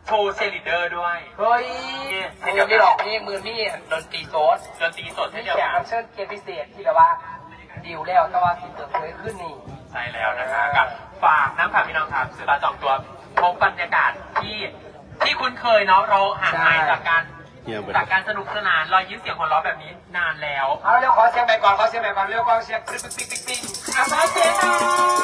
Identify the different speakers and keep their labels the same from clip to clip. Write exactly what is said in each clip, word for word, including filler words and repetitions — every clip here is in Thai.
Speaker 1: โชว์เชลิเดอร์ด้วย
Speaker 2: เฮ้ย
Speaker 1: นี่
Speaker 2: มือนี่หรอกนี่มือนี่ดนตรีโซด
Speaker 1: ดนตรีสด
Speaker 2: นี่
Speaker 1: เช่นเดียว
Speaker 2: แขก
Speaker 1: กั
Speaker 2: รั
Speaker 1: น
Speaker 2: บเชิญเกียรติพิเศษที่แบบว่าดิวแล้วแต่ว่าสิเติมเคยขึ้นนี่
Speaker 1: ใช่แล้วนะคะกับฝากน้ำค่ะพี่น้องครับซื้อบัตรจองตัวพบบรรยากาศที่ที่คุ้นเคยเนาะเราห่างหายจากการจากการสนุกสนานรอยยิ้มเสียงหัวเราะแบบนี้นานแล้ว
Speaker 2: เอาเร็วขอเสียงใหม่ก่อนขอเสียงใหม่ก่อนเร็วขอเสียงปิ๊งปิ๊งปิ๊งปิ๊งอ่ะขอเสียงหน่อย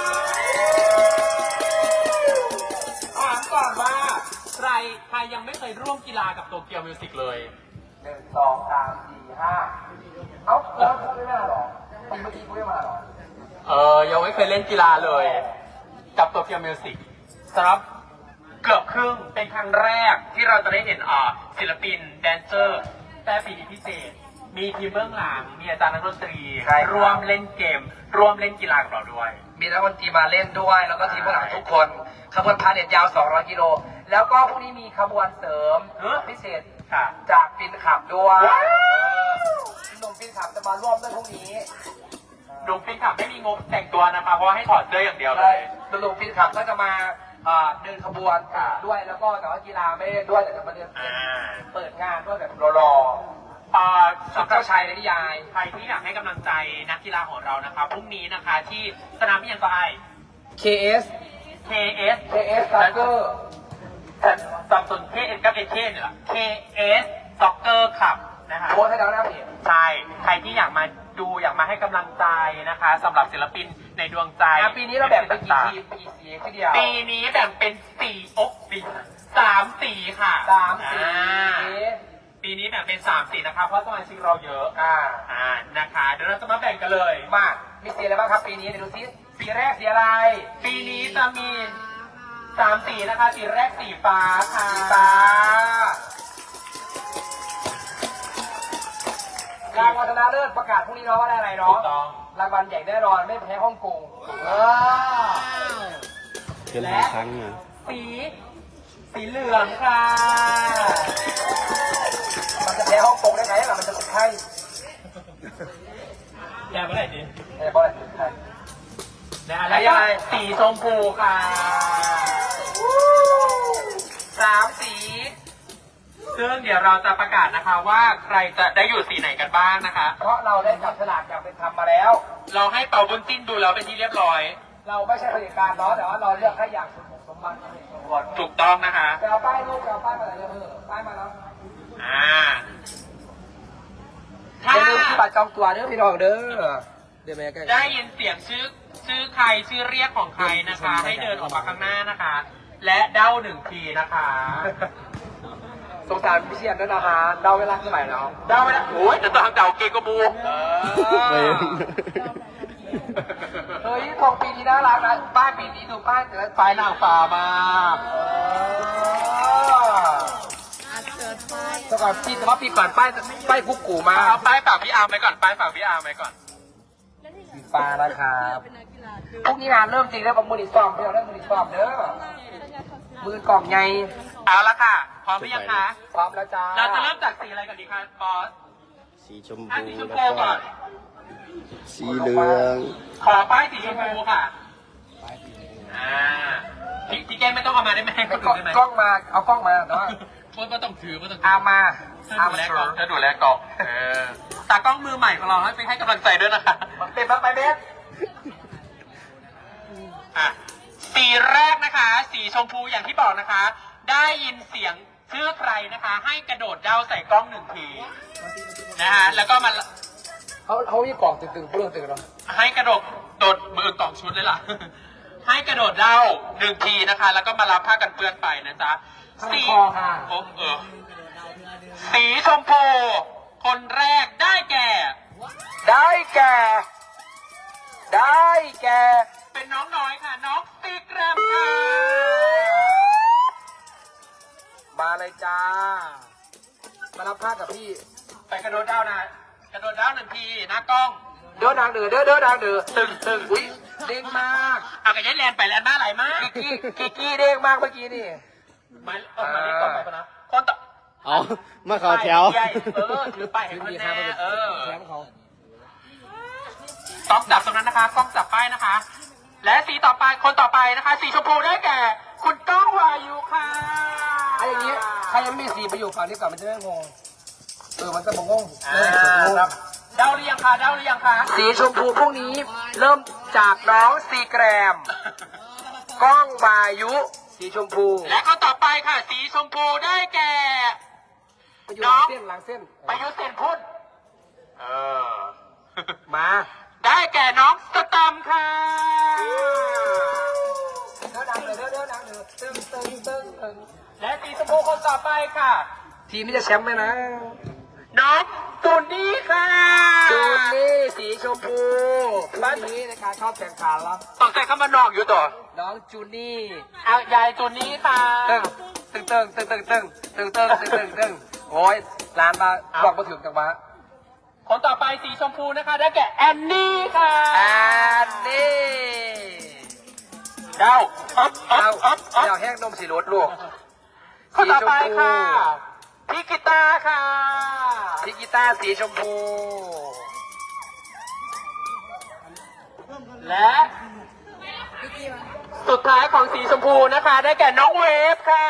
Speaker 2: ถามก่อนว่า
Speaker 1: ใครใครยังไม่เคยร่วมกีฬากับโตเกียวมิวสิกเลย
Speaker 2: หนึ่งสองสามสี่ห้าเอ้าแล้วพูดไม่มาหรอปีเมื่อกี้พูดไม่มาหรอ
Speaker 1: เออยังไม่เคยเล่นกีฬาเลย กับโตเกียวมิวสิกสำหรับเกือบครึ่งเป็นครั้งแรกที่เราจะได้เห็นอ่าศิลปินแดนเซอร์แต่ปีนี้พิเศษ มีทีมเบื้องหลังมีอาจารย์นักดนตรีร่วมเล่นเกม ร่วมเล่นกีฬากับเราด้วย
Speaker 2: มีนักดนตรีมาเล่นด้วย แล้วก็ทีมผู้หลังทุกคนขบวนพาเหรดยาวสองร้อยกิโลแล้วก็พรุ่งนี้มีขบวนเสริม
Speaker 1: เอ้อ
Speaker 2: พิเศษ
Speaker 1: ค่ะ
Speaker 2: จากปินขับด้วย
Speaker 1: ว้าว
Speaker 2: หนุ่มปินขับจะมาร่วมด้วยพรุ่งนี้
Speaker 1: ดุงฟินขับไม่มีงบแต่งตัวนะคะเพราะว่าให้ถอดเสื้ออย่างเดียวเล
Speaker 2: ใช่
Speaker 1: ย
Speaker 2: หนุ่มปินขับก็จะมาอ่าเดินขบวน
Speaker 1: ค่ะ
Speaker 2: ด้วยแล้วก็แต่ว่ากีฬาไม่ได้ด้วยแต่จะมาเดิน
Speaker 1: อ่า
Speaker 2: เปิดงานด้วยแบบรอ
Speaker 1: อ่า
Speaker 2: ๆ
Speaker 1: สำหรับ
Speaker 2: เจ้าชายในนิยาย
Speaker 1: ใครที่อยากให้กำลังใจนักกีฬาของเรานะคะพรุ่งนี้นะคะที่สนามพิยังก็ไอ
Speaker 2: เค เอส
Speaker 1: เค เอส
Speaker 2: เค เอส Soccer
Speaker 1: สับสน เค เอส กับ เอ เค เนี่ย เค เอส Soccer Club นะคะ
Speaker 2: โพสต์ให้แล้วนะเพจ
Speaker 1: ใช่ ใครที่อยากมาดูอยากมาให้กำลังใจนะคะสำหรับศิลปินในดวงใจ
Speaker 2: อ่ะปีนี้เราแบ่งเป็นกี่ทีมกี่สีทีเดียว
Speaker 1: ปีนี้แบ่งเป็นสี่อกสีสามสีค่ะ
Speaker 2: สามสี
Speaker 1: อ่าปีนี้แบ่งเป็นสามสีนะคะเพราะสมาชิกเราเยอะ
Speaker 2: อ่า
Speaker 1: อ่านะคะเดี๋ยวเราจะมาแบ่งกันเลย
Speaker 2: มามีสีอะไรบ้างครับปีนี้เดี๋ยวดูซิสีแรกสีอะไร
Speaker 1: ปีนี้จะมีสามสีนะคะ สีแรกสีฟ้าค่ะ
Speaker 2: สีฟ้ารางวัลชนะเลิศประกาศพรุ่งนี้เนาะว่าได้อะไร
Speaker 1: ถู
Speaker 2: เนาะ
Speaker 1: กต้อง
Speaker 2: รางวัลใหญ่แน่นอนไม่แพ้ฮ่องกงเออ
Speaker 3: เกินหลายครั้งอ่ะ
Speaker 1: สี สีเหลืองค่ะ
Speaker 2: มันจะแพ้ฮ่องกงได้ไงล่ะมันจะเป็นไข้
Speaker 1: แย่เมื่อไหร่ดิ
Speaker 2: ไม่ได้เพราะอะไรเป็นไข้
Speaker 1: นะแล้วก็สีชมพูค่ะ
Speaker 2: สามสี
Speaker 1: ซึ่งเดี๋ยวเราจะประกาศนะคะว่าใครจะได้อยู่สีไหนกันบ้างนะคะ
Speaker 2: เพราะเราได้จับฉลากอย่างเป็นธรรมมาแล้ว
Speaker 1: เราให้เป่าบุญจิ้นดูแล้วเป็นที่เรียบร้อย
Speaker 2: เราไม่ใช่ผลิตการเนาะแต่ว่าเราเลือกให้อย่างสมสมบัติสมเหตุสมผล
Speaker 1: ถูกต้องนะคะ
Speaker 2: ไปเอาป้ายรูปไปเอาป้ายมาไหนเลยเออป้ายมาแล้ว
Speaker 1: อ่า
Speaker 2: อ
Speaker 1: ถ้า
Speaker 2: ย่าลืมที่บัตรจองตัวเด้อพี่น้องเด้อเดี๋ยวแม่ใกล้
Speaker 1: ได้ยินเสียงชื่อชื่อใครชื่อเรียกของใครนะคะ ให้เดินออกมาข้างหน้านะคะ และเด้าหนึ่งทีนะคะ
Speaker 2: สงสารพี่เชียนด้วยนะคะเดาเวลาสมัยแล้ว
Speaker 1: เด้าไม่ได้โอ้ยจะต้องทำเดาเกงกระบู
Speaker 3: ไป
Speaker 2: เฮ้ยทองปีนี้น่ารักนะป้ายปีนี้ดูป้ายแต่ละ
Speaker 1: ปลายนางฟ้ามาก
Speaker 2: แต่ก่อนปีแต่ว่าปีก่อนป้ายป้ายกุ๊กกูมา
Speaker 1: เอาป้ายฝากพี่อาร์มไว้ก่อนป้ายฝากพี่อาร์มไว้ก่อน
Speaker 2: สีฟ้านะครับพรุ่งนี้งานเริ่มจริงแล้วผมมือดิซ้อมเพื่อนเริ่มมือดิซ้อมเด้อมือกล่องไง
Speaker 1: เอาละค่ะ พร้อมหรือยังคะ
Speaker 2: พร้อมแล้วจ้า
Speaker 1: เราจะเริ่มจากสีอะไรก่อนดีคะบอส
Speaker 3: สีชม
Speaker 1: อ่ะ
Speaker 3: พู
Speaker 1: สีชม
Speaker 3: แล้ว
Speaker 1: พู
Speaker 3: ก็
Speaker 1: ก่อน
Speaker 3: สีเหลือง
Speaker 1: ขอป้ายสีชมพูค่ะ อ่าพี่พี่แก้มไม่ต้องเอามาได้ไหมให้ค
Speaker 2: ไม่
Speaker 1: น
Speaker 2: กล้
Speaker 1: อื่
Speaker 2: อง
Speaker 1: นได้ไหม
Speaker 2: กล้องมาเอากล้องมาเนาะ
Speaker 1: คนก็ต้องถือก็ต้องถื
Speaker 2: เอามา
Speaker 1: เธอ
Speaker 2: เอา
Speaker 1: ดู
Speaker 2: มา
Speaker 1: แล
Speaker 2: เถ
Speaker 1: กล่อง
Speaker 2: อะ
Speaker 1: เธอดูแลกล่องเออตากล้องมือใหม่ของเราให้ไปให้กำลังใจด้วยนะคะ
Speaker 2: เต็มแล้วไปเบส
Speaker 1: อ่ะสีแรกนะคะ สีชมพูอย่างที่บอกนะคะ ได้ยินเสียงชื่อใครนะคะ ให้กระโดดเด้าใส่กล้องหนึ่งทีนะฮะแล้วก็มา
Speaker 2: เขาเขามีกล่องตึงๆเปลืองตึงเนาะ
Speaker 1: ให้กระโดดโดดมือกล่องชุดเลยล่ะ ให้กระโดดเด้าหนึ่งทีนะคะ แล้วก็มารับผ้ากันเปื้อนไปนะจ๊ะ
Speaker 2: ข้าง
Speaker 1: สี
Speaker 2: คอค่ะ
Speaker 1: โอ้เออสีชมพูคนแรกได้แก่
Speaker 2: ได้แก่ ได้แก่
Speaker 1: เป็นน้องน้อยค่ะ น้องตีแกรมค่ะ
Speaker 2: มาเลยจ้า มารับผ้ากับพี่
Speaker 1: ไปกระโดดเด้านะ กระโดดเด้าหนึ่งทีหน้ากล้อง
Speaker 2: เด้อดังเด้อเด้อเด้อดังเด้อ
Speaker 1: ตึงตึง
Speaker 2: อุ้ยเด้งมาก
Speaker 1: เอากระยันแลนไปแลนมาไหลมาก
Speaker 2: กิกกี้กิกกี้เด้งมากเมื่อกี้นี่
Speaker 1: มาเออมานี่ก่อนไปก่อนนะคนต่อ
Speaker 3: เอามาเข้าแถว
Speaker 1: ใหญ่เออถือไปให้มันแน่เออ
Speaker 2: แชมป์เขา
Speaker 1: ต้องจับตรงนั้นนะคะกล้องจับป้ายนะคะ และสีต่อไปคนต่อไปนะคะ สีชมพูได้แก่ คุณก้องวายุค่ะ
Speaker 2: ไอ้อย่างใครยังไม่มีสีไปอยู่ฝั่งนี้ก่อนมันจะไม่งงเออมันจะงง
Speaker 1: อ่าครับเดาหรือยังคะเดาหรือยังคะ
Speaker 2: สีชมพูพวกนี้เริ่มจากน้องซีแกรมก้องวายุ สีชมพู
Speaker 1: และก็ต่อไปค่ะ สีชมพูได้แก่
Speaker 2: ไปอยู่หลังเส้นหลังเส้น
Speaker 1: ประยุทธ์เซนพุ่นเออ
Speaker 2: มา
Speaker 1: ได้แก่น้องสแตมป์ค่ะ
Speaker 2: เดินดังเลยเดินเดินดังเลยตึ้งตึ้งตึ้งตึ้ง
Speaker 1: และสีชมพูคนต่อไปค่ะ
Speaker 2: ทีมนี้จะแชมป์ไหมนะ
Speaker 1: น้องตูนนี่ค่ะ
Speaker 2: จูนนี่สีชมพูบ้านนี้ในการเข้าแข่งขันแล้ว
Speaker 1: ต้องใส่ข้ามานอกอยู่ต่อ
Speaker 2: น้องจูนี่
Speaker 1: เอายายตูนนี่ค่ะ
Speaker 2: ตึ้งตึ้งตึ้งตึ้งตึ้งตึ้งตึ้งตึ้งตึ้งตึ้งตึ้งโอ้ยร้านมาบอกมาถึงจังหวะ
Speaker 1: คนต่อไปสีชมพูนะคะ ได้แก่แอนนี่ค่ะ
Speaker 2: แอนนี่
Speaker 1: เดาอ๊อบอ๊อ
Speaker 2: เอา
Speaker 1: บอ๊อบอ๊อบ
Speaker 2: เดี๋ยวแห้งนมสีรสลูก
Speaker 1: คนต่อไปค่ะพี่กีตาร์ค่ะ
Speaker 2: พี่กีตาร์สีชมพู
Speaker 1: และสุดท้ายของสีชมพูนะคะ ได้แก่น้องเวฟค่ะ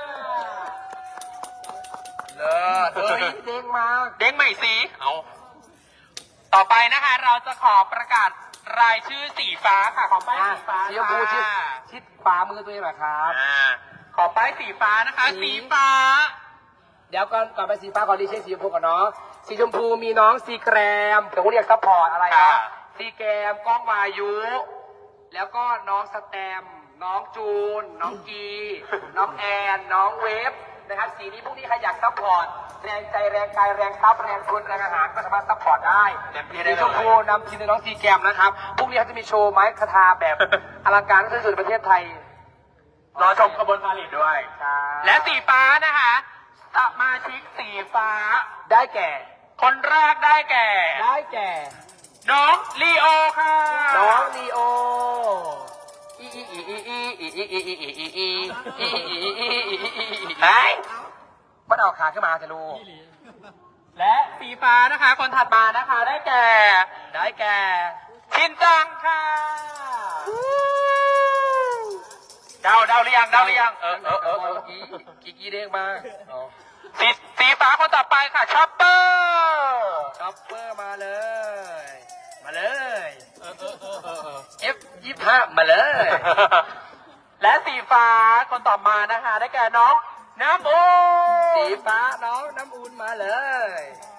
Speaker 2: เลิศเฮ้ยเด้งมาก
Speaker 1: เด้งใหม่สีเอาต่อไปนะคะ เราจะขอประกาศรายชื่อสีฟ้าค่ะของป้าย
Speaker 2: อ่ะ
Speaker 1: สีฟ้า
Speaker 2: สีชมพูชิด
Speaker 1: ค่ะ
Speaker 2: ชิดฝ่ามือตัวเองเหรอครับ
Speaker 1: อ่าขอป้ายสีฟ้านะคะ
Speaker 2: สี
Speaker 1: สีฟ้า
Speaker 2: เดี๋ยวก่อนก่อนไปสีฟ้าขอดีเช็คสีชมพูก่อนเนาะสีชมพูมีน้องซีแกรมแต่ว่าเรียกซัพพอร์ตอะไรนะซีแกรมก้องวายุ แล้วก็น้องสแตมป์น้องจูน น้องกี น้องแอน น้องเวฟนะครับสีนี้พวกนี้ใครอยากซัพพอร์ตแรงใจแรงกายแรงทรัพย์แรงทุนแรงอาหารก็สามารถซัพพอร์ตได้
Speaker 1: เต็มที่
Speaker 2: สี
Speaker 1: ได้เลย
Speaker 2: ชมพูนำทีมโดยน้องซีแกรมนะครับพวกนี้เขาจะมีโชว์ไม้คาถาแบบ อลังการที่สุดในประเทศไทย
Speaker 1: รอชมขบวนพาเหรดด้วย และสีฟ้านะคะสมาชิกสีฟ้า
Speaker 2: ได้แก่
Speaker 1: คนแรกได้แก่
Speaker 2: ได้แก่
Speaker 1: น้องลีโอค่ะ
Speaker 2: น้องลีโออีอีอีอีอีอีอีอีอีอีอีอีอีอี
Speaker 1: ไหน
Speaker 2: มันเอาขาขึ้นมาจะรู้
Speaker 1: และสีฟ้านะคะ คนถัดมานะคะ ได้แก่
Speaker 2: ได้แก่
Speaker 1: ชินจังค่ะเดาเดาหรือยังเดาหรือยังเออเออเออเออ
Speaker 2: กีกีกีเด้งมาก
Speaker 1: สีสีฟ้าคนต่อไปค่ะชอปเปอร์
Speaker 2: ช็อปเปอร์มาเลย มาเลย
Speaker 1: เออเออเออเออเออ
Speaker 2: เอฟยี่ห้ามาเลย
Speaker 1: และสีฟ้าคนต่อมานะคะ ได้แก่น้องน้ำโอ
Speaker 2: สีฟ้าน้องน้ำอุ่นมาเลย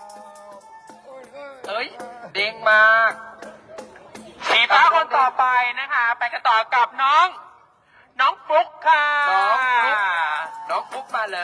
Speaker 2: เอ้ยเด้งมาก
Speaker 1: สีฟ้าคนต่อไปนะคะ ไปกันต่อกับน้อง น้องฟลุ๊กค่ะ
Speaker 2: น้องฟลุ๊ก น้องฟุกมาเลย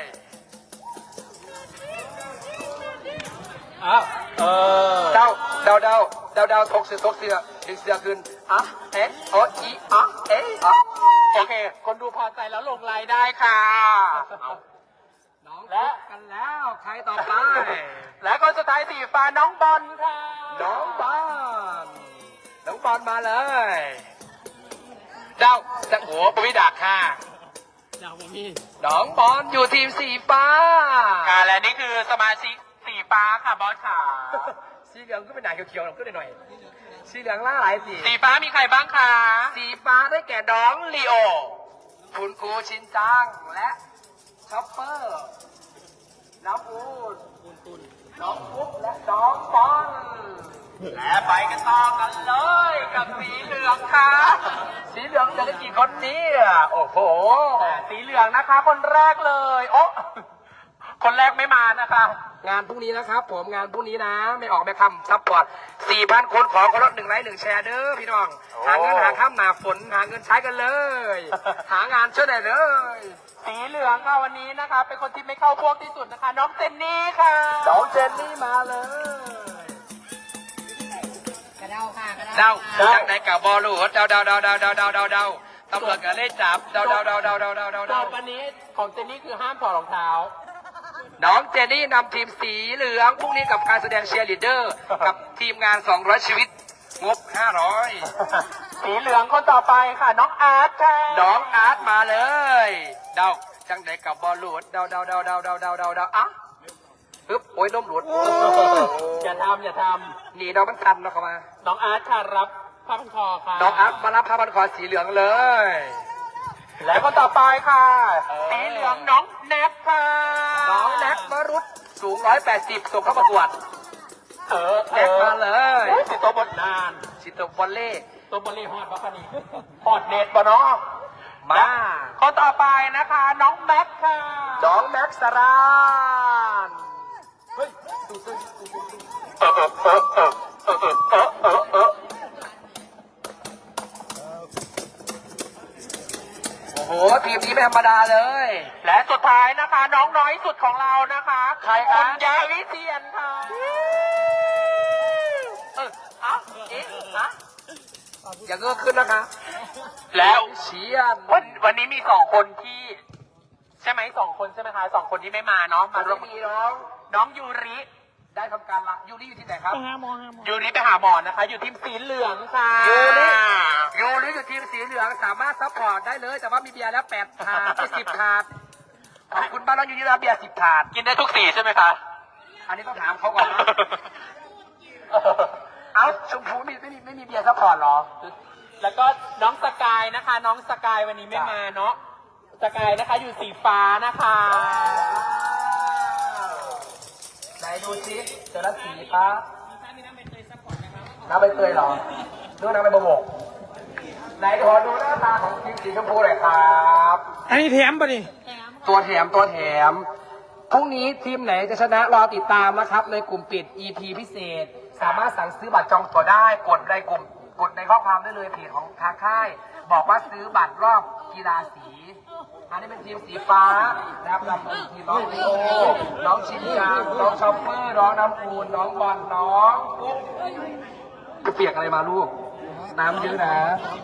Speaker 1: อ้าวเออ
Speaker 2: เดาเดาเดาเดาเดาทกเสือทกเสือดึงเสือขึ้นอ่ะเอ๊ะโอ้อีอ่ะเอ๊ะอ่ะ
Speaker 1: โอเค คนดูพอใจแล้วลงไลน์ได้ค่ะ
Speaker 2: น้อง
Speaker 1: และ
Speaker 2: กันแล้วใครต่อไป
Speaker 1: และคนสุดท้ายสีฟ้าน้องบอลค่ะ
Speaker 2: น้องบอลน้องบอลมาเลยเดาจะโอ้ปวิดาค่ะ
Speaker 1: อยากผมมี
Speaker 2: น้องบอลอยู่ทีมสีฟ้า
Speaker 1: ค่ะ และนี่คือสมาชิกสีฟ้าค่ะบอสค่ะ
Speaker 2: สีเหลืองก็เป็นหนาเขียวๆหน่อยก็หน่อยสีเหลืองล่าหลายสี
Speaker 1: สีฟ้ามีใครบ้างคะ
Speaker 2: สีฟ้าได้แก่น้องลีโอคุณครูชินจังและช็อปเปอร์ น้องอูดน้องฟุกและน้องบอล
Speaker 1: และไปกันต่อกันเลยกับสีเหลืองค่ะ
Speaker 2: สีเหลืองจะได้กี่คนเนี่ยโอ้โห
Speaker 1: สีเหลืองนะคะ คนแรกเลยโอ้คนแรกไม่มานะคะ
Speaker 2: งานพรุ่งนี้นะครับผมงานพรุ่งนี้นะ ไม่ออกไม่คำซัพพอร์ตสี่พันคนขอคนละหนึ่งไลค์หนึ่งแชร์เด้อพี่น้อง หาเงินหาข้ามหนาฝนหาเงินใช้กันเลย หางานช่วยหน่อยเลย
Speaker 1: สีเหลืองค่ะวันนี้นะคะ เป็นคนที่ไม่เข้าพวกที่สุดนะคะ น้องเจนนี่ค่ะ
Speaker 2: น้องเจนนี่มาเลย
Speaker 4: กระเดาค่ะกระ
Speaker 2: เดา
Speaker 4: เดา
Speaker 2: จากไหนกับบอลลูดเดาเดาเดาเดาเดาเดาเดาเดาตำรวจก็เลยจับเดาเดาเดาเดาเดาเดาเดา
Speaker 1: โจ
Speaker 2: เดา
Speaker 1: ทย์วันนี้ของเจนนี่คือห้ามถอดรองเท้า
Speaker 2: น้องเจนนี่นำทีมสีเหลืองพรุ่งนี้กับการแสดงเชียร์ลีดเดอร์ กับทีมงานสองร้อยชีวิตงบห้าร้อย
Speaker 1: สีเหลืองคนต่อไปค่ะ น้องอาร์ตค่ะ
Speaker 2: น้องอาร์ตมาเลย เดาจังไหนกับบอลลูดเดาเดาเดาเดาเดาเดาเดาเดาอ่ะปึ๊บโอ้ยล้มหลุด
Speaker 1: อย่าทำอย่าท
Speaker 2: หนีน้องมันทันแล้วเข้ามา
Speaker 1: ำน้องอาร์ตค่ะรับผ้าพันคอค่ะ
Speaker 2: น้องอาร์ตมารับผ้าพันคอสีเหลืองเลย
Speaker 1: และคนต่อไปค่ะสีเหลืองน้องแนทค่ะ
Speaker 2: น้องแน็กมรุตสูงร้อยแปดสิบส่งเข้าประกวด
Speaker 1: เออ
Speaker 2: แน็กมาเลย
Speaker 1: สิโตบทนาน
Speaker 2: สิตบอลเล่
Speaker 1: ตัวบริฮอดบัคคานีฮอดเน็ตปะเนาะ
Speaker 2: มา
Speaker 1: คนต่อไปนะคะ น้องแม็กค่ะ
Speaker 2: น้องแม็กซ์สรานเฮ้ยดูซิ
Speaker 1: เออเออเออเออเออเออเออเออเออ
Speaker 2: โอ้โหทีมนี้ไม่ธรรมดาเลย
Speaker 1: และสุดท้ายนะคะ น้องน้อยสุดของเรานะคะ
Speaker 2: ใครคะ
Speaker 1: ณยาวิเชียนค่ะเอออ่ะเอ๊ะอ่ะ
Speaker 2: อย่าเงือกขึ้นนะคะ
Speaker 1: แล้ว
Speaker 2: เชียน
Speaker 1: วันวันนี้มีสองคนที่ ใช่ไหมสองคนใช่ไหมคะสองคนที่ไม่มาเนาะ
Speaker 2: มา
Speaker 1: มา
Speaker 2: ร่
Speaker 1: ร่
Speaker 2: ว
Speaker 1: ว
Speaker 2: ม
Speaker 1: ม
Speaker 2: ดีน้อง
Speaker 1: น้องยูริ
Speaker 2: ได้ทำการละยูริอยู่ที่ไหนครับ
Speaker 1: ยูริไปหาหมอนะคะ อยู่ทีมสีเหลืองค่ะ
Speaker 2: ยูริ ยูริอยู่ทีมสีเหลืองสามารถซัพพอร์ตได้เลย แต่ว่ามีเบียร์แล้วแปดถาดไม่สิบถาดขอบคุณบ้านเรายูริรับเบียร์สิบถาด
Speaker 1: กินได้ทุกสีใช่ไหมคะ
Speaker 2: อันนี้ต้องถามเขาก่อนนะ เอ้าชมพูไม่ไม่มีไม่มีเบียร์ซัพพอร์ตเหรอ
Speaker 1: แล้วก็น้องสกายนะคะ น้องสกายวันนี้ไม่มาเนาะสกายนะคะอยู่สีฟ้านะคะ
Speaker 2: ไหนดูซิเจอแล้วสีฟ้าน้ำใบเตยเหรอดูน้ำใบโบกไหนขอดูหน้าตาของทีมสีชมพูหน่อยครับ
Speaker 5: อันนี้แถมป่ะนี่
Speaker 2: ตัวแถมตัวแถมพรุ่งนี้ทีมไหนจะชนะรอติดตามนะครับในกลุ่มปิด อี พี พิเศษ สามารถสั่งซื้อบัตรจองตั๋วได้กดในกลุ่มกดในข้อความได้เลยเพจของทางค่าย บอกว่าซื้อบัตรรอบกีฬาสีอันนี้เป็นทีมสีฟ้านะครับนำโดยทีมน้องโอน้องชินจังน้องชอปเปอร์น้องน้ำปูนน้องบอลน้องปุ๊บจะเปียกอะไรมาลูก น้ำเยอะนะ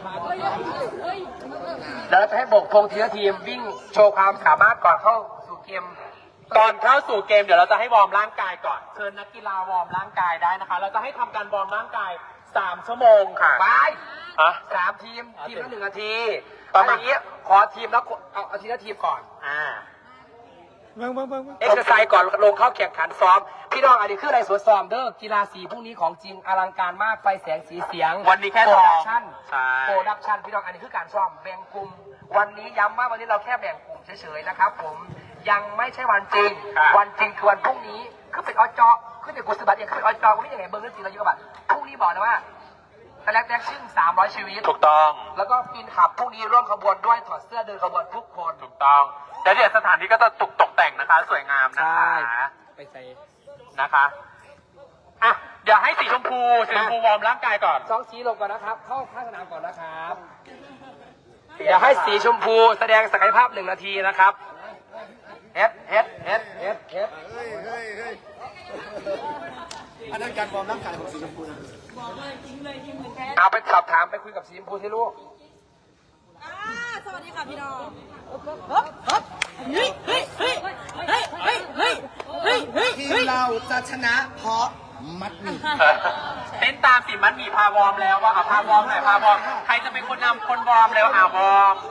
Speaker 2: เดี๋ยวเราจะให้บกธงทีละทีมวิ่งโชว์ความสามารถก่อนเข้าสู่เกม
Speaker 1: ก่อนเข้าสู่เกมเดี๋ยวเราจะให้วอร์มร่างกายก่อน เชิญนักกีฬาวอร์มร่างกายได้นะคะ เราจะให้ทำการวอร์มร่างกายสามชั่วโมงค่ะ
Speaker 2: ไป
Speaker 1: ฮะ
Speaker 2: สามทีมทีมละหนึ่งนาที
Speaker 1: ประ
Speaker 2: เอา
Speaker 1: มา
Speaker 2: อ
Speaker 1: ณ
Speaker 2: ย่างนี้ขอทีมแล้วเอาเอาทีละทีมก่อน
Speaker 1: อ่า
Speaker 5: เบิ่งเบิ่งเบิ่งเบิ่ง
Speaker 2: เอ็กซ์ไซส์ก่อนลงเข้าแข่งขันซ้อม พี่น้องอันนี้คืออะไรสวนซ้อมเด้อกีฬาสีพรุ่งนี้ของจริงอลังการมากไฟแสงสีเสียง
Speaker 1: วันนี้แค่
Speaker 2: โปร
Speaker 1: ซ้อ
Speaker 2: ดั
Speaker 1: ม
Speaker 2: กชั่น
Speaker 1: ใช่
Speaker 2: โปรดักชั่นพี่น้องอันนี้คือการซ้อมแบ่งกลุ่มวันนี้ย้ำว่าวันนี้เราแค่แบ่งกลุ่มเฉยๆนะครับผมยังไม่ใช่วันจริง วันจริงคือวันพรุ่งนี้คือเป็นอจอคือเป็นกุศลบัตรเองคือเป็นอจอก็ไม่ยังไงเบิ้งเรื่องจริงเราอยู่กับบัตรพรุ่งนี้บอกเลยว่าแต่แรกแรกชื่อสามร้อยชีวิต
Speaker 1: ถูกต้อง
Speaker 2: แล้วก็ปีนขับพรุ่งนี้ร่วมขบวนด้วยถอดเสื้อเดินขบวนทุกคน
Speaker 1: ถูกต้องแล้วเดี๋ยวสถานที่ก็จะตกตกแต่งนะคะ สวยงามนะคะ
Speaker 2: ไปใส่
Speaker 1: นะคะ อ่ะ เดี๋ยวให้สีชมพูสีชมพูวอร์มร่างกายก่อน
Speaker 2: สองสีลงก่อนนะครับ เข้าข้างสนามก่อนนะครับ เดี๋ยวให้สีชมพูแสดงศักยภาพหนึ่งนาทีนะครับเฮ็ดเฮ็ดเฮ็ดเฮ็ดเฮ็ด
Speaker 3: เฮ้ยเฮ้ยเฮ้ยอันนั้นการวอร์มร่างกายของสีชมพูนะ
Speaker 2: เอาไปสอบถามไปคุยกับสีชมพูที่ลูก
Speaker 4: อ่าสวัสดีค่ะพี่น้องฮึบฮึบเฮ้ยเฮ้ยเฮ้ยเฮ้ยเฮ้ยเฮ้ยเฮ้ยเฮ้ย
Speaker 3: ทีมเราจะชนะเพราะมัดหมี่
Speaker 1: เต้นตามสิมันมีพาวอร์มแล้วว่าเอาพาวอร์มหน่อยพาวอร์มใครจะเป็นคนนำคนวอร์มเร็วอ่าวอร์ม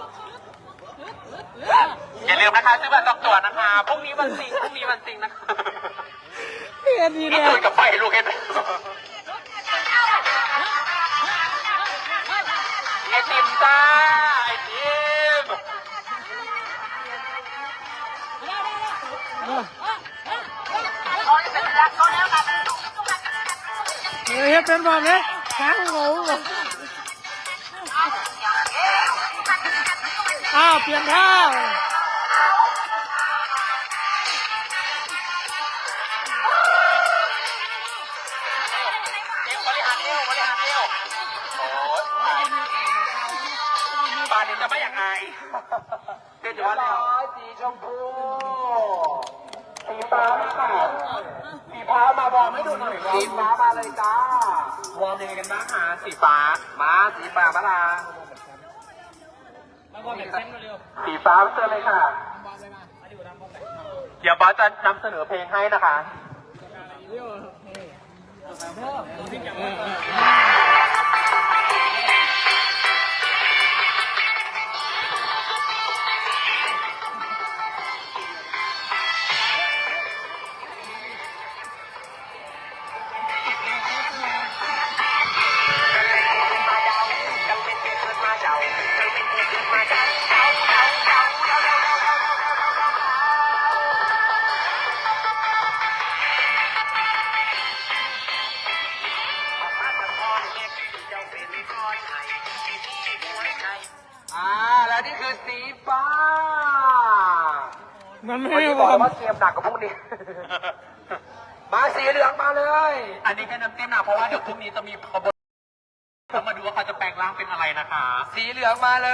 Speaker 1: อย่าลืมนะคะซื้อบัตรจองตั๋วนะคะพรุ่งนี้วันจริงพรุ่งนี้วันจริงนะคะ
Speaker 5: เรียนดี
Speaker 1: นี่
Speaker 5: เนี่ย
Speaker 1: คุยกับไฟลูกเห็นไหมไอติมจ้าไอติม
Speaker 5: เออเฮ็ดเป็นบ่เนี่ยช้างโง่บ่อ้าวเปลี่ยนท่า
Speaker 1: เอวบริหารเอวบริหารเอวโอ้ยป่านนี้จะไม่อยากอายเดี๋ยว
Speaker 2: เรี
Speaker 1: เดี๋ย
Speaker 2: ยว บ
Speaker 1: แล้ว
Speaker 2: ร้อยสีชมพู
Speaker 1: สีฟ้ามาค่ะสีฟ้ามาวอร์มให้ดูหน่อย
Speaker 2: สีฟ้ามาเลยจ้าว
Speaker 1: อร์มยังไงกันบ้างคะสีฟ้า
Speaker 2: มาสีฟ้ามาลา
Speaker 1: สีฟ้าเจอเลยค่ะ เดี๋ยวบอสจะนำเสนอเพลงให้นะคะ
Speaker 2: มาเดาจำเป็นเกิดมาเดาจำเป็นเกิดมาเดาเดาเดา
Speaker 5: มันไม่
Speaker 2: วัน
Speaker 5: ได้
Speaker 2: นี้
Speaker 5: บบ อ
Speaker 2: อก
Speaker 5: ก
Speaker 2: ว่าเกมหนักกว่าพวกนี้ มาสีเหลืองมาเลย
Speaker 1: อันนี้แค่น้ำจิ้มนะเพราะว่าเดี๋ยวพรุ่งนี้จะมีขบวนเรามาดูว่าเขาจะแปลงร่างเป็นอะไรนะคะ
Speaker 2: สีเหลืองมาเลย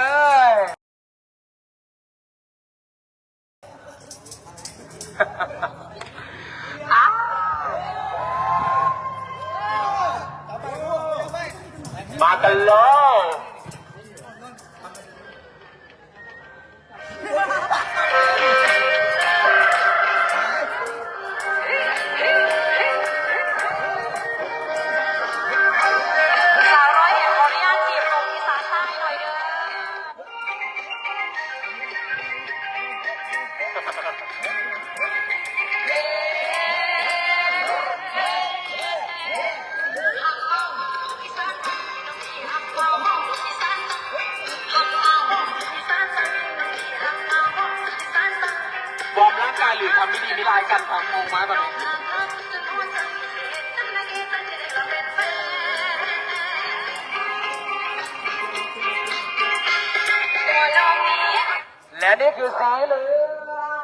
Speaker 1: มากันเลย
Speaker 4: สาวร้อยเอ็ดขออนุญาตจีบลงอีสานใต้หน่อยเด้อ
Speaker 1: วอร์มร่างกายหรือทำไม่ดีไม่ร้ายกันครับงงมากตอนนี้
Speaker 2: และนี่คือสีเหลือง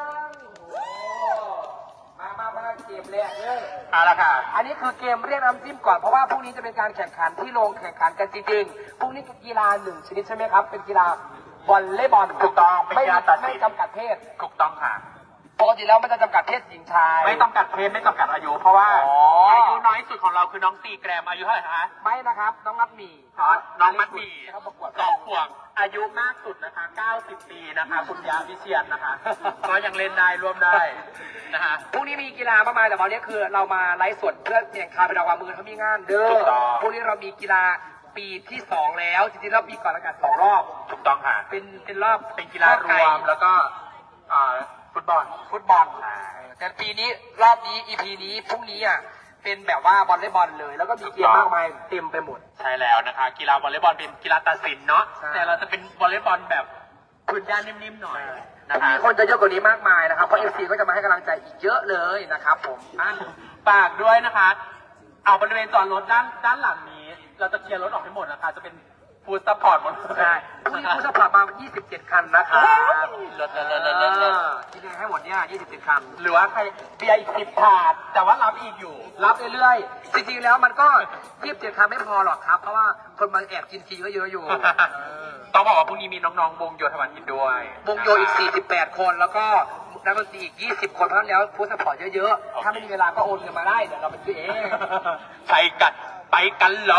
Speaker 2: มามามาเกมแรกเลย
Speaker 1: เอาละค่ะ
Speaker 2: อันนี้คือเกมเรียกน้ำจิ้มก่อนเพราะว่าพรุ่งนี้จะเป็นการแข่งขันที่ลงแข่งขันกันจริงๆพรุ่งนี้คือกีฬาหนึ่งชนิดใช่ไหมครับ เป็นกีฬาวอลเลย์บอล
Speaker 1: ถูกต้องเป็น
Speaker 2: ไม่
Speaker 1: กีฬาตัดสิน
Speaker 2: ไม่จำกัดเพศ
Speaker 1: ถูกต้องค่ะ
Speaker 2: ปกติแล้วมันจะจำกัดเพศหญิงชาย
Speaker 1: ไม่จำกัดเพศไม่จำกัดอายุ เพราะว่า
Speaker 2: อ๋ออ
Speaker 1: อายุน้อยสุดของเราคือน้องซีแกรมอายุเท่าไหร่คะ
Speaker 2: ไม่นะครับน้องนัดหมี
Speaker 1: อ๋อน้องมัดหมี
Speaker 2: นะครับประกวด
Speaker 1: สองขวบอายุมากสุดนะคะเก้าสิบปีนะคะ คุณยาวิเชียนนะคะ ก็ยังเล่นได้ร่วมได้นะคะ
Speaker 2: พรุ่งนี้มีกีฬามากมายแต่วันนี้คือเรามาไลฟ์สดเพื่อแข่งขันเป็นรางวัลมือเขามีงานเด้อ
Speaker 1: ถูกต้อง
Speaker 2: พรุ่งนี้เรามีกีฬาปีที่สองแล้วจริงๆแล้วปีก่อนอากาศสองรอบ
Speaker 1: ถูกต้องค่ะ
Speaker 2: เป็นเป็นรอบ
Speaker 1: เป็นกีฬารวมแล้วก็อ่าฟุตบอล
Speaker 2: ฟุตบอลแต่ปีนี้รอบนี้ อี พี นี้พรุ่งนี้อ่ะเป็นแบบว่าวอลเลย์บอลเลย แล้วก็มีเกมมากมายเต็มไปหมด
Speaker 1: ใช่แล้วนะคะ กีฬาวอลเลย์บอลเป็นกีฬาตัดสินเนาะ
Speaker 2: ใช่
Speaker 1: แต่เราจะเป็นวอลเลย์บอลแบบพื้นย่านนิ่มๆหน่อยนะคะ
Speaker 2: มีคนจะเยอะกว่านี้มากมายนะครับเพราะเอฟซีก็จะมาให้กำลังใจอีกเยอะเลยนะครับผม
Speaker 1: อ่ะฝากด้วยนะคะ เอาบริเวณจอดรถด้านด้านหลังนี้ เราจะเคลียร์รถออกให้หมดนะคะ จะเป็นฟูดซัพพอร์ตหมดเลย
Speaker 2: ใช่พรุ่งนี้ผู้สมัครมายี่สิบเจ็ดคันนะครับ
Speaker 1: รถรถรถรถรถรถ
Speaker 2: ที่นี่ให้หมดเนี่ยยี่สิบเจ็ดคัน
Speaker 1: หรือว่าใครเบียร์อีกสิบถาด แต่ว่ารับอีกอยู่
Speaker 2: รับเรื่อยๆ จริงๆ แล้วมันก็ยี่สิบเจ็ดคันไม่พอหรอกครับ เพราะว่าคนมาแอบกินฟรีก็เยอะอยู่
Speaker 1: ต้องบอกว่าพรุ่งนี้มีน้องๆวงโยธวันกินด้วย
Speaker 2: วงโยอีกสี่สิบแปดคน แล้วก็นักดนตรีอีกยี่สิบคนเพราะฉะนั้นแล้วผู้สปอร์ตเยอะๆ ถ้าไม่มีเวลาก็โอนเงินมาได้ เดี๋ยวเราไปซื้อเอง
Speaker 1: ไปกันไปกันเลย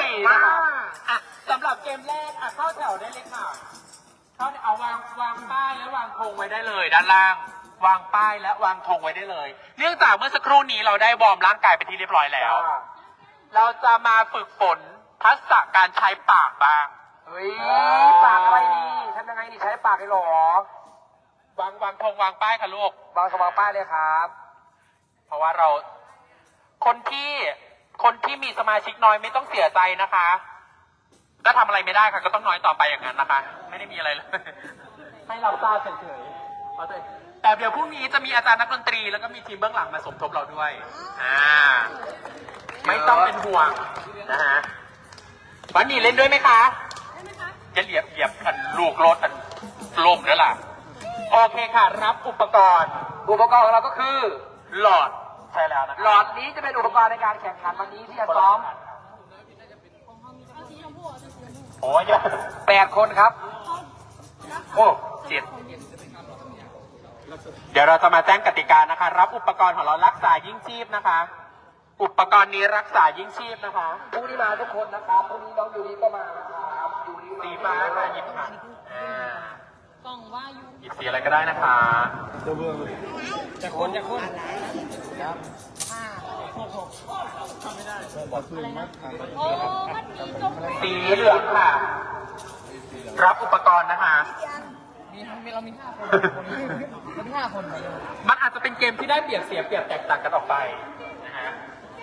Speaker 2: มา
Speaker 1: นะคะอ่ะสำหรับเกมแรกอ่ะเข้าแถวได้เลยค่ะเข้าเอาวางวางป้ายและวางธงไว้ได้เลย ด้านล่าง วางป้ายและวางธงไว้ได้เลย เนื่องจากเมื่อสักครู่นี้เราได้วอร์มร่างกายไปนที่เรียบร้อยแล้ว เราจะมาฝึกฝนทักษะการใช้ปากบ้าง
Speaker 2: เฮ้ย ปากอะไรนี่ทำยังไงนี่ใช้ปากเลยเหรอ
Speaker 1: วางวางธงวางป้ายค่ะลูก
Speaker 2: วางสมองป้ายเลยครับ
Speaker 1: เพราะว่าเรา คนที่คนที่มีสมาชิกน้อยไม่ต้องเสียใจนะคะถ้าทำอะไรไม่ได้ค่ะ ก็ต้องน้อยต่อไปอย่างนั้นนะคะ ไม่ได้มีอะไรเลย ให้เราทราบเฉยๆเอาเถอะแต่เดี๋ยวพรุ่งนี้จะมีอาจารย์นักดนตรีแล้วก็มีทีมเบื้องหลังมาสมทบเราด้วย อ่า ไม่ต้องเป็นห่วงนะฮะวันนี้เล่นด้วยไหมคะจะเหยียบเหยียบอันลูกรถอันลมแล้วล่ะ โอเคค่ะ รับอุปกรณ์
Speaker 2: อุปกรณ์ของเราก็คือ
Speaker 1: หลอด ใช่แล้วนะ
Speaker 2: หลอดนี้จะเป็นอุปกรณ์ในการแข่งขันวันนี้ที่จะซ้อม
Speaker 1: โอ้ยเยอะ
Speaker 2: แปดคนครับ
Speaker 1: โอ้เจ็ดเดี๋ยวเราจะมาแจ้งกติกานะคะ รับอุปกรณ์ของเรารักษายิ่งชีพนะคะ อุปกรณ์นี้รักษายิ่งชีพนะคะ
Speaker 2: ผู้ที่มาทุกคนนะครับพรุ่งนี้น้องยูริก็มานะครับยูริ
Speaker 1: สีฟ้าค่ะหยิบค่ะอ่าก
Speaker 4: ล่องว่าอยู่
Speaker 1: หยิบสีอะไรก็ได้นะคะ
Speaker 5: จะคนจะคน
Speaker 4: โอ้มันมีจม
Speaker 1: สีเหลืองค่ะ รับอุปกรณ์นะคะ
Speaker 5: มีเรามีห้าคนเรามีห้าคน
Speaker 1: มันอาจจะเป็นเกมที่ได้เปรียบเสียเปรียบแตกต่างกันออกไปนะฮะ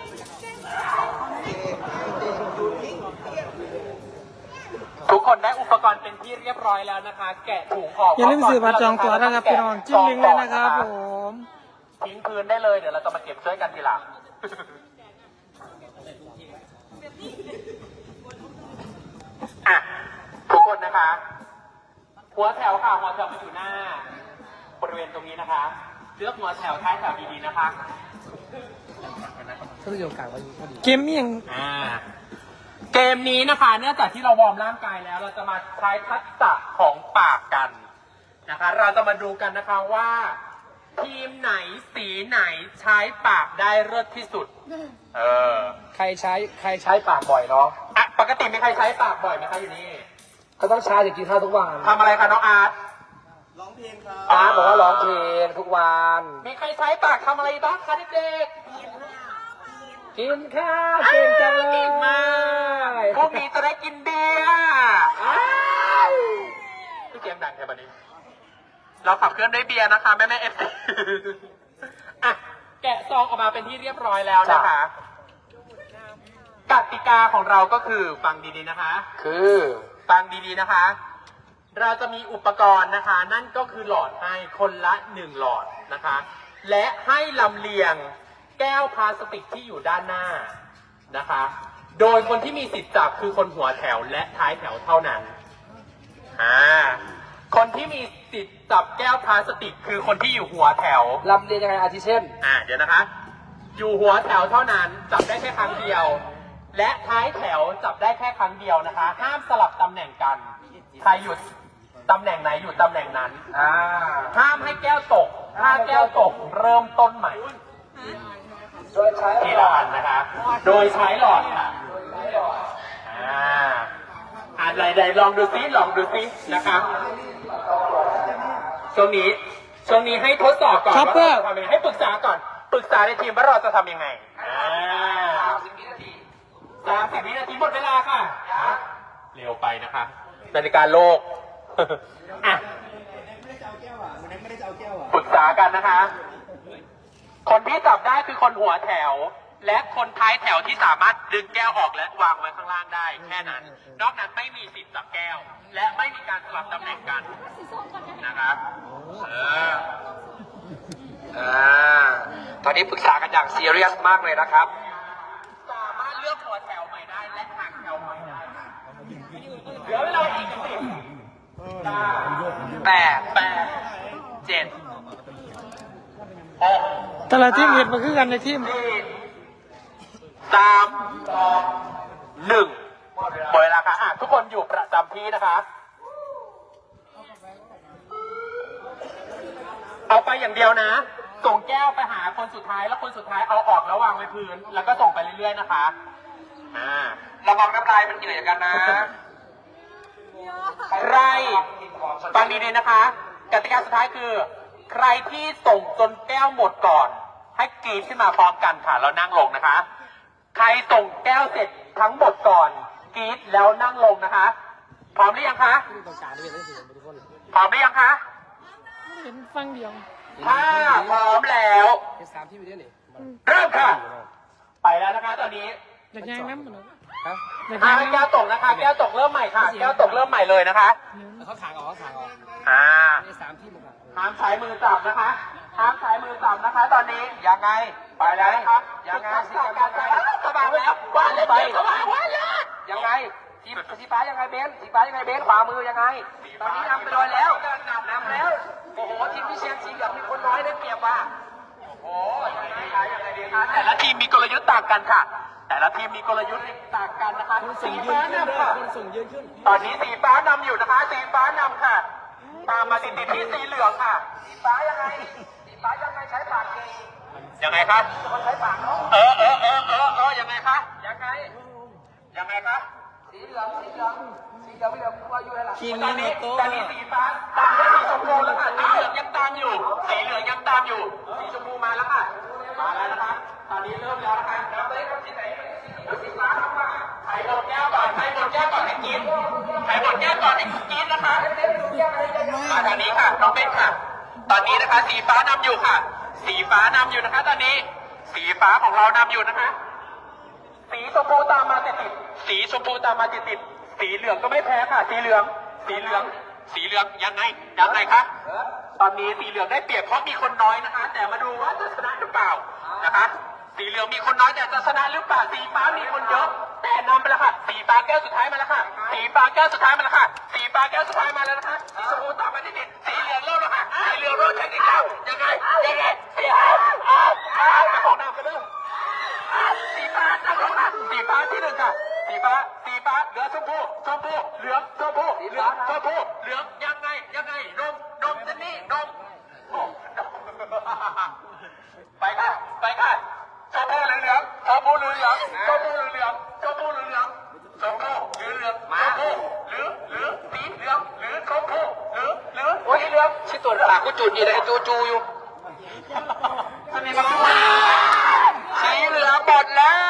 Speaker 1: ทุกคนได้อุปกรณ์เป็นที่เรียบร้อยแล้วนะคะ แกะถุงออก
Speaker 5: อย่าลืมซื้อบัตรจองตั๋วนะครับพี่น้องจิ้มลิงก์เลยนะครับผม
Speaker 1: ทิ้งพื้นได้เลยเดี๋ยวเราจะมาเก็บช่วยกันทีหลัง อ่ะทุกคนนะคะ หัวแถวค่ะหัวแถวมาอยู่หน้าบริเวณตรงนี้นะคะเลือกหัวแถวท้ายแถวดีๆนะคะ
Speaker 2: ถ้าประโยชน์กลางวันนี้พอดี
Speaker 5: เกมมี่ยัง
Speaker 1: อ่าเกมนี้นะคะเนื่องจากที่เราวอร์มร่างกายแล้ว เราจะมาใช้ทักษะของปากกันนะคะ เราจะมาดูกันนะคะว่า ทีมไหนสีไหนใช้ปากได้เลิศที่สุด เออ
Speaker 2: ใครใช้ใครใช้ปากบ่อยเนาะ
Speaker 1: อ่ะปกติมีใครใช้ปากบ่อยไหมคะอยู่นี่
Speaker 2: ก็ต้องใช้จะกินข้าวทุกวัน
Speaker 1: ทำอะไรคะน้องอาร์ต
Speaker 3: ร้องเพลงครับ
Speaker 2: อาร์ตบอกว่าร้องเพลงทุกวัน
Speaker 1: มีใครใช้ปากทำอะไรบ้างคะเด็ก
Speaker 2: กินข้าว
Speaker 1: ๆ
Speaker 2: เก่งจังเลย
Speaker 1: เก่งมากพรุ่งนี้จะได้กินเบียร์อ้ายพี่เกมดังแค่บันนี้ เราขับเคลื่อนด้วยเบียร์นะคะแม่แม่เอฟซีอ่ะแกะซองออกมาเป็นที่เรียบร้อยแล้วนะคะกติกาของเราก็คือฟังดีๆนะคะ
Speaker 2: คือ
Speaker 1: ฟังดีๆนะคะ เราจะมีอุปกรณ์นะคะ นั่นก็คือหลอดให้คนละหนึ่งหลอดนะคะ และให้ลำเลียงแก้วพลาสติกที่อยู่ด้านหน้านะคะ โดยคนที่มีสิทธิ์จับคือคนหัวแถวและท้ายแถวเท่านั้นอ่าคนที่มีสิทธิ์จับแก้วพลาสติกคือคนที่อยู่หัวแถว
Speaker 2: ลำเรียนยังไงอาทิเช่น
Speaker 1: อ่าเดี๋ยวนะคะ อยู่หัวแถวเท่านั้นจับได้แค่ครั้งเดียว และท้ายแถวจับได้แค่ครั้งเดียวนะคะ ห้ามสลับตำแหน่งกัน ใครหยุดตำแหน่งไหนอยู่ตำแหน่งนั้น
Speaker 2: อ่า
Speaker 1: ห้ามให้แก้วตก ถ้าแก้วตกเริ่มต้นใหม่
Speaker 2: โดยใช้
Speaker 1: ทีละอันนะคะ โดยใช้หลอดค่ะอ่าอ่านใดๆลองดูซิลองดูซินะคะช่วงนี้ ช่วงนี้ให้ทดสอบก่อนว่าเราจะทำยังไงให้ปรึกษาก่อน ปรึกษาในทีมว่าเราจะทำยังไงอ่า
Speaker 2: สิบวินาที
Speaker 1: สามสิบวินาทีหมดเวลาค่ะเร็วไปนะคะนาฬิกาโลก อ่ะ
Speaker 3: ไม่ได้จะเอาแก้วอ่ะวันนั้นไม่ได้จะเอาแก้วอ่ะ
Speaker 1: ปรึกษากันนะคะ คนที่จับได้คือคนหัวแถว และคนท้ายแถวที่สามารถดึงแก้วออกและวางไว้ข้างล่างได้ แค่นั้น นอกนั้นไม่มีสิทธิ์จับแก้ว และไม่มีการสลับตำแหน่งกันนะครับเออ
Speaker 2: อ่าตอนนี้ปรึกษากันอย่างซีเรียสมากเลยนะครับ
Speaker 1: สามารถเลือกหัวแถวใหม่ได้และห่างแถวใหม่ได้เหลือเวลาอีกสิบเก้า
Speaker 2: แปด
Speaker 1: แปด
Speaker 2: เจ็ด
Speaker 1: หก
Speaker 5: แต่ละทีมเห็นมาคือกันในทีม
Speaker 1: สี่สามสองหนึ่งหมดเวลาค่ะอ่ะทุกคนอยู่ประจำที่นะคะ เอาไปอย่างเดียวนะ ส่งแก้วไปหาคนสุดท้ายแล้วคนสุดท้ายเอาออกแล้ววางไว้พื้น แล้วก็ส่งไปเรื่อยๆนะคะ อ่า
Speaker 2: ระวังน้ำลายมันกินอะไรกันนะ
Speaker 1: ใครฟังดีๆนะคะ กติกาสุดท้ายคือ ใครที่ส่งจนแก้วหมดก่อน ให้กรีดขึ้นมาพร้อมกันค่ะแล้วนั่งลงนะคะ ใครส่งแก้วเสร็จทั้งหมดก่อนกรีดแล้วนั่งลงนะคะ พร้อมหรือยังคะ
Speaker 2: ตรงกลางนี่เป็นเรื่องสิ่งทุกคน
Speaker 1: พร้อมหรือยังคะ
Speaker 5: เห็นฟังเดียว
Speaker 1: ถ้าพร้อมแล้ว
Speaker 2: เป็นสามที่ไปด้วยนี่
Speaker 1: เริ่มค่ะ ไปแล้วนะคะตอนนี้
Speaker 5: อยากแย่งน้ำเหมือนกัน
Speaker 2: ฮะ
Speaker 5: อยาก
Speaker 1: อ่า
Speaker 5: แย่ง
Speaker 1: แก้
Speaker 5: น้
Speaker 1: วตกนะคะ แก้วตกเริ่มใหม่ค่ะ แก้วตกเริ่มใหม่เลยนะคะ
Speaker 2: เขาขางออกเขาขางออก
Speaker 1: อ่า
Speaker 2: นี่สามที่เหมือนกัน
Speaker 1: ห้ามใช้มือจับนะคะ ห้ามใช้มือจับนะคะ ตอนนี้
Speaker 2: ยังไง
Speaker 1: ไปแล้วนะครับ
Speaker 2: ยังไง
Speaker 1: สิการไปสบายแล้วว้าเลยไปสบายว้าเลย
Speaker 2: ยังไงสีสีฟ้ายังไงเบนสีฟ้ายังไงเบนขวามือยังไง ตอนนี้นำไปเลยแล้วนำแล้ว โอ้โหทีมพิเชียนสีเหลืองมีคนน้อยได้เปรียบว่ะ
Speaker 1: โอ้ยยังไงคะยังไงดีคะแต่ละทีมมีกลยุทธ์ต่างกันค่ะ แต่ละทีมมีกลยุทธ์ต่างกันนะคะ สีฟ้านำค่ะ
Speaker 3: คนส่งยืนขึ้น
Speaker 1: ตอนนี้สีฟ้านำอยู่นะคะ สีฟ้านำค่ะ ตามมาติดติดๆที่สีเหลืองค่ะ
Speaker 2: สีฟ้ายังไง สีฟ้ายังไงใช้ปากเก่ง
Speaker 1: ยังไงครับ
Speaker 2: คนใช้ปากเนาะ
Speaker 1: เออเออเออเออเออยังไงคะ
Speaker 2: ยังไง
Speaker 1: ยังไงคะ
Speaker 2: สีเหลืองสีเหลืองสีเหลืองไม่เหลืองกูอายุเท่าไหร่
Speaker 3: ทีม
Speaker 1: ตอ
Speaker 3: นี้
Speaker 1: น
Speaker 3: โน
Speaker 1: นี้
Speaker 3: โต้
Speaker 1: ตอนนี้สีฟ้าตามด้วยสีชมพูแล้วค่ะสีเหลืองยังตามอยู่ สีเหลืองยังตามอยู่ สีชมพูมาแล้วค่ะ มาแล้วนะคะ ตอนนี้เริ่มแล้วนะคะนับเลยครับสีไหนสีฟ้าทำมาใครหมดแก้วก่อนใครหมดแก้วก่อนให้กินใครหมดแก้วก่อนให้กินนะคะมาทางนี้ค่ะน้องเบนค่ะ ตอนนี้นะคะ สีฟ้านำอยู่ค่ะ สีฟ้านำอยู่นะคะ ตอนนี้ สีฟ้าของเรานำอยู่นะคะ สีชมพูตามมาติดติดๆสีชมพูตามมาติดติดๆสีเหลืองก็ไม่แพ้ค่ะ สีเหลือง สีเหลือง สีเหลืองยังไงยังไงคะตอนนี้สีเหลืองได้เปรียบเพราะมีคนน้อยนะคะ แต่มาดูว่าจะชนะหรือเปล่านะคะ สีเหลืองมีคนน้อยแต่จะชนะหรือเปล่า สีฟ้ามีคนเยอะ แต่นำไปแล้วค่ะ สีฟ้าแก้วสุดท้ายมาแล้วค่ะ สีฟ้าแก้วสุดท้ายมาแล้วค่ะ สีฟ้าแก้วสุดท้ายมาแล้วนะคะ สีชมพูตามมาติดติดๆสีเหลืองเริ่มแล้วค่ะ สีเหเหลืองโดนแทงอีกแล้วยังไงยังไงสีฟ้าอ้าวอ้าวไปของน้ำกันเด้อสีฟ้าจังลงมาสีฟ้าที่หนึ่งค่ะสีฟ้าสีฟ้าเหลืองชมพูชมพูเหลืองชมพูเหลืองชมพูเหลืองยังไงยังไงนมนมเจนนี่นมโอ้ไปค่ะไปค่ะชมพูเหลืองเหลืองชมพูเหลืองเหลืองชมพูเหลืองเหลืองชมพูเหลืองเหลืองชมพูเหลืองเหลืองชมพูเหลืองเหลืองสีเหลืองเหลืองชมพูเหลืองเหลืองสีเหลือง
Speaker 2: ชิตัวปากกูจุดอยู่เลยจูจูอยู่
Speaker 1: ทำไมมา
Speaker 2: สีเหลืองหมดแล้ว